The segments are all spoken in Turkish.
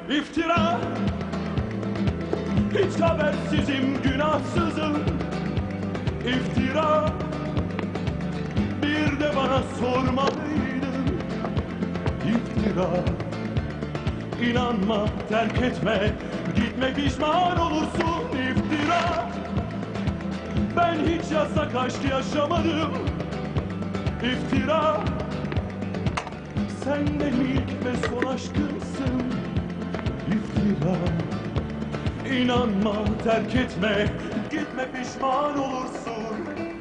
iftira. Hiç habersizim, günahsızım, iftira. Bir de bana sormalıydın, iftira. İnanma, terk etme, gitme, pişman olursun, iftira. Ben hiç yasak aşk yaşamadım, iftira. Sen de ilk ve son aşkımsın, iftira. İnanma, terk etme, gitme, pişman olursun.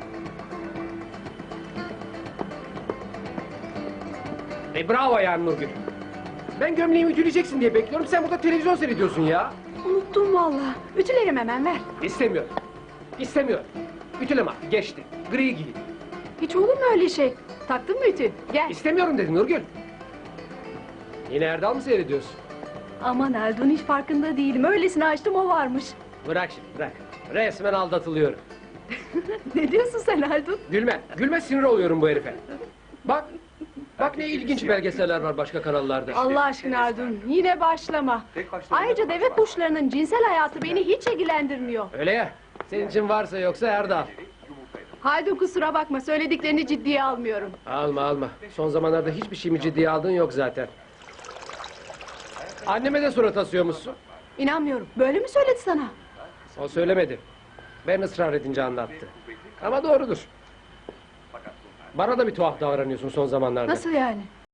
Bravo yani Nurgül. Ben gömleğimi ütüleyeceksin diye bekliyorum. Sen burada televizyon seyrediyorsun ya. Unuttum vallahi. Ütülerim hemen, ver. İstemiyorum. İstemiyorum. Ütüleme artık, geçti. Gri giy. Hiç olur mu öyle şey? Taktın mı ütü? Gel. İstemiyorum dedim Nurgül. Yine Erdal mı seyrediyorsun? Aman Erdun, hiç farkında değilim. Öylesine açtım, o varmış. Bırak şimdi, bırak. Resmen aldatılıyorum. Ne diyorsun sen Erdun? Gülme, gülme, sinir oluyorum bu herife. Bak, bak ne ilginç belgeseller var başka kanallarda. Allah aşkına Erdun, yine başlama. Ayrıca deve kuşlarının cinsel hayatı beni hiç ilgilendirmiyor. Öyle ya, senin için varsa yoksa Erdal. Haldun, kusura bakma, söylediklerini ciddiye almıyorum. Alma alma, son zamanlarda hiçbir şeyimi ciddiye aldığın yok zaten. Anneme de surat asıyormuşsun. İnanmıyorum, böyle mi söyledi sana? O söylemedi. Ben ısrar edince anlattı. Ama doğrudur. Bana da bir tuhaf davranıyorsun son zamanlarda. Nasıl yani?